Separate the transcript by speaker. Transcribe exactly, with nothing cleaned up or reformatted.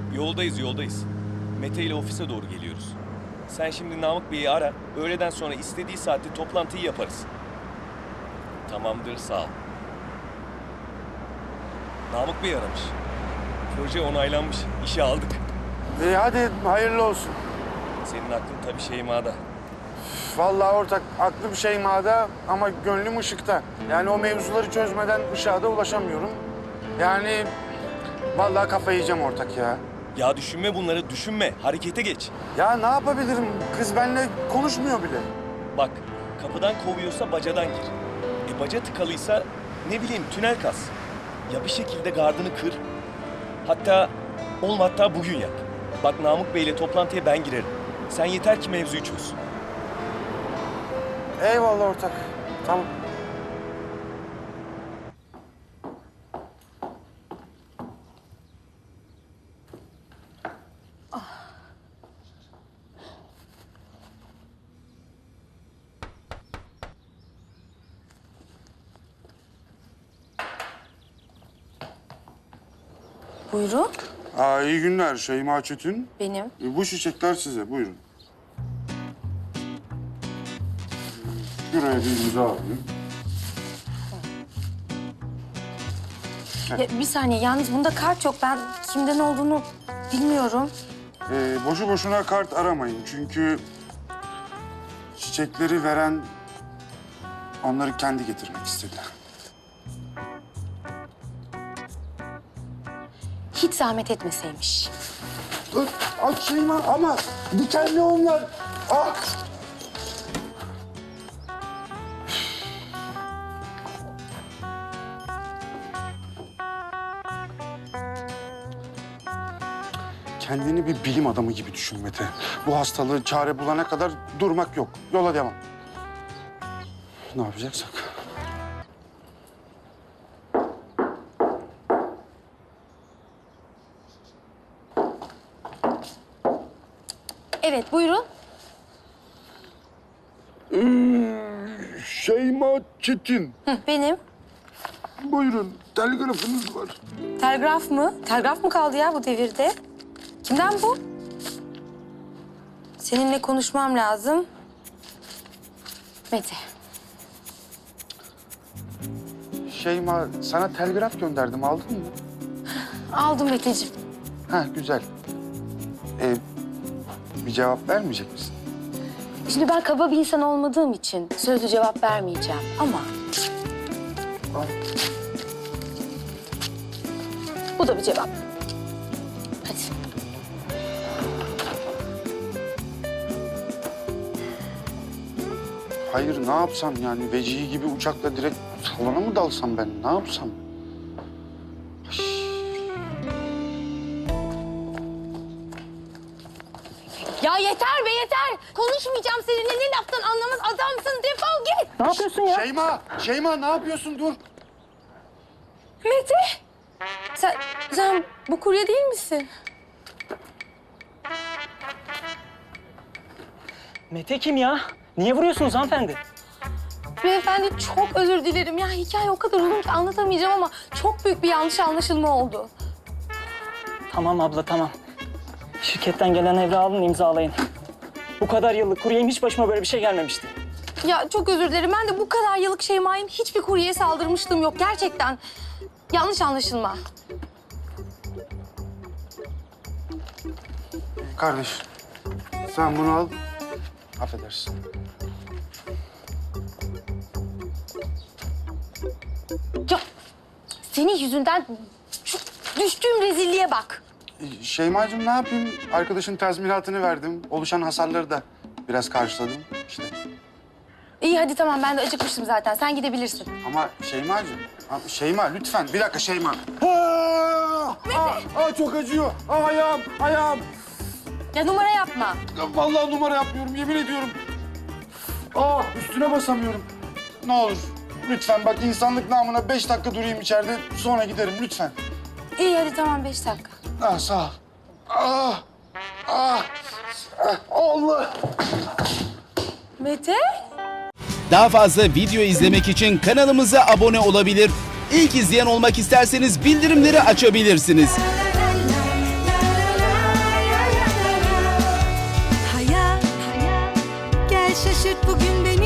Speaker 1: Yoldayız, yoldayız. Mete ile ofise doğru geliyoruz. Sen şimdi Namık Bey'i ara, öğleden sonra istediği saatte toplantıyı yaparız. Tamamdır, sağ ol. Namık Bey aramış. Proje onaylanmış, işe aldık.
Speaker 2: İyi hadi hayırlı olsun.
Speaker 1: Senin aklın tabii Şeyma'da.
Speaker 2: Vallahi ortak aklım Şeyma'da ama gönlüm Işık'ta. Yani o mevzuları çözmeden Işık'a da ulaşamıyorum. Yani vallahi kafayı yiyeceğim ortak ya.
Speaker 1: Ya düşünme bunları, düşünme. Harekete geç.
Speaker 2: Ya ne yapabilirim? Kız benimle konuşmuyor bile.
Speaker 1: Bak, kapıdan kovuyorsa bacadan gir. E baca tıkalıysa ne bileyim tünel kaz. Ya bir şekilde gardını kır. Hatta olma hatta bugün yap. Bak Namık Bey'le toplantıya ben girerim. Sen yeter ki mevzuyu çöz.
Speaker 2: Eyvallah ortak. Tamam.
Speaker 3: Buyurun.
Speaker 2: Aa, iyi günler Şeyma Çetin.
Speaker 3: Benim.
Speaker 2: E, bu çiçekler size, buyurun. Şuraya bir imza alayım.
Speaker 3: Ya, bir saniye, yalnız bunda kart yok. Ben kimden olduğunu bilmiyorum.
Speaker 2: Ee, boşu boşuna kart aramayın çünkü çiçekleri veren onları kendi getirmek istedi.
Speaker 3: Hiç zahmet etmeseymiş.
Speaker 2: Dur, aç Şeyma ama dikenli onlar. Ah! Kendini bir bilim adamı gibi düşün Mete. Bu hastalığı çare bulana kadar durmak yok. Yola devam. Ne yapacaksak.
Speaker 3: Evet, buyurun.
Speaker 2: Şeyma Çetin.
Speaker 3: Hı, benim.
Speaker 2: Buyurun, telgrafınız var.
Speaker 3: Telgraf mı? Telgraf mı kaldı ya bu devirde? Kimden bu? Seninle konuşmam lazım. Mete.
Speaker 2: Şeyma, sana telgraf gönderdim, aldın mı?
Speaker 3: Aldım Meteciğim.
Speaker 2: Ha, güzel. Ee, bir cevap vermeyecek misin?
Speaker 3: Şimdi ben kaba bir insan olmadığım için sözlü cevap vermeyeceğim ama...
Speaker 2: Al.
Speaker 3: Bu da bir cevap. Hadi.
Speaker 2: Hayır, ne yapsam yani? Vecihi gibi uçakla direkt salona mı dalsam ben? Ne yapsam?
Speaker 3: Ya yeter be yeter. Konuşmayacağım seninle. Ne laftan anlamaz adamsın. Defol git.
Speaker 4: Ne yapıyorsun ya?
Speaker 2: Şeyma, Şeyma ne yapıyorsun? Dur.
Speaker 3: Mete. Sen, sen bu kurye değil misin?
Speaker 4: Mete kim ya? Niye vuruyorsunuz hanımefendi?
Speaker 3: Beyefendi çok özür dilerim. Ya hikaye o kadar uzun ki anlatamayacağım ama çok büyük bir yanlış anlaşılma oldu.
Speaker 4: Tamam abla tamam. Şirketten gelen evrağı alın imzalayın. Bu kadar yıllık kuryeyim hiç başıma böyle bir şey gelmemişti.
Speaker 3: Ya çok özür dilerim. Ben de bu kadar yıllık Şeyma'yım. Hiçbir kuryeye saldırmışlığım yok. Gerçekten. Yanlış anlaşılma.
Speaker 2: Kardeş, sen bunu al. Affedersin.
Speaker 3: Ya senin yüzünden şu düştüğüm rezilliğe bak.
Speaker 2: Ee, Şeymacığım ne yapayım? Arkadaşın tazminatını verdim. Oluşan hasarları da biraz karşıladım işte.
Speaker 3: İyi hadi tamam ben de acıkmıştım zaten. Sen gidebilirsin.
Speaker 2: Ama Şeymacığım, ha, Şeyma lütfen bir dakika Şeyma. Aa, aa, aa, çok acıyor. Aa, ayağım, ayağım.
Speaker 3: Ya numara yapma.
Speaker 2: Ya, vallahi numara yapmıyorum, yemin ediyorum. Aa, üstüne basamıyorum. Ne olur, lütfen bak insanlık namına beş dakika durayım içeride, sonra giderim lütfen.
Speaker 3: İyi hadi tamam beş dakika.
Speaker 2: Ah, sağ ol. Ah, ah, ah, Allah.
Speaker 3: Mete?
Speaker 5: Daha fazla video izlemek için kanalımıza abone olabilir. İlk izleyen olmak isterseniz bildirimleri açabilirsiniz.
Speaker 6: şaşırt bugün beni.